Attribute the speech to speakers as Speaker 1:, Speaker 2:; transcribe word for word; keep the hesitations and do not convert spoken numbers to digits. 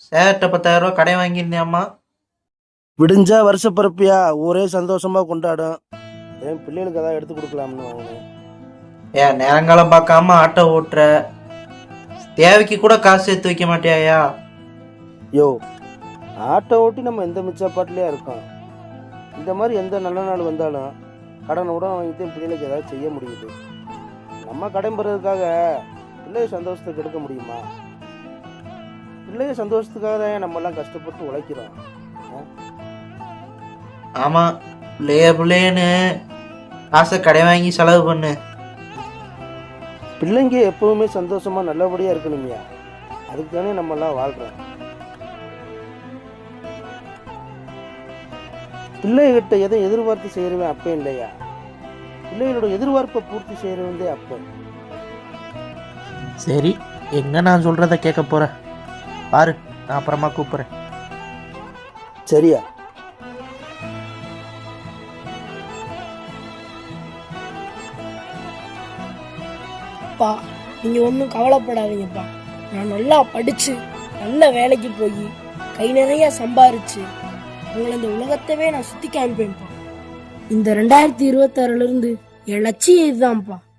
Speaker 1: சேட்ட பத்தாயிரம் ரூபா கடை வாங்கியிருந்தேம்மா.
Speaker 2: விடிஞ்சா வருஷ பிறப்பியா ஊரே சந்தோஷமா கொண்டாடும். என் பிள்ளைகளுக்கு அதான் எடுத்து கொடுக்கலாம்னு வாங்கினேன்.
Speaker 1: ஏன் நேரங்காலம் பார்க்காம ஆட்டோ ஓட்டுற, தேவைக்கு கூட காசு சேர்த்து வைக்க மாட்டியாயா?
Speaker 2: யோ, ஆட்டோ ஓட்டி நம்ம எந்த மிச்சப்பாட்டிலையா இருக்கோம். இந்த மாதிரி எந்த நல்ல நாள் வந்தாலும் கடனை உடனே வாங்கிட்டு என் பிள்ளைகளுக்கு ஏதாவது செய்ய முடியுது. நம்ம கடன் பெறதுக்காக பிள்ளைய சந்தோஷத்தை கெடுக்க முடியுமா? பிள்ளைய சந்தோஷத்துக்காக தான் நம்ம எல்லாம் கஷ்டப்பட்டு உழைக்கிறோம்.
Speaker 1: ஆமா, பிள்ளைய பிள்ளையன்னு காசை கடை வாங்கி செலவு பண்ணு.
Speaker 2: பிள்ளைங்க எப்பவுமே சந்தோஷமா நல்லபடியா இருக்கணுமையா, அதுக்கு தானே நம்ம எல்லாம் வாழ்றோம். பிள்ளைகிட்ட எதை எதிர்பார்த்து செய்யறவன் அப்ப இல்லையா, பிள்ளைகளோட எதிர்பார்ப்பை பூர்த்தி செய்யறவந்தே அப்ப.
Speaker 1: சரி, எங்க நான் சொல்றத கேட்க போறேன் பாரு, நான் அப்புறமா கூப்பிடுறேன்.
Speaker 2: சரியா?
Speaker 3: அப்பா, நீங்கள் ஒன்றும் கவலைப்படாதீங்கப்பா. நான் நல்லா படித்து நல்ல வேலைக்கு போய் கை நிறைய சம்பாரிச்சு உங்களை இந்த உலகத்தவே நான் சுற்றி காமிப்பேன்ப்பா. இந்த ரெண்டாயிரத்தி இருபத்தாறுலேருந்து என் லட்சியம் இதுதான்ப்பா.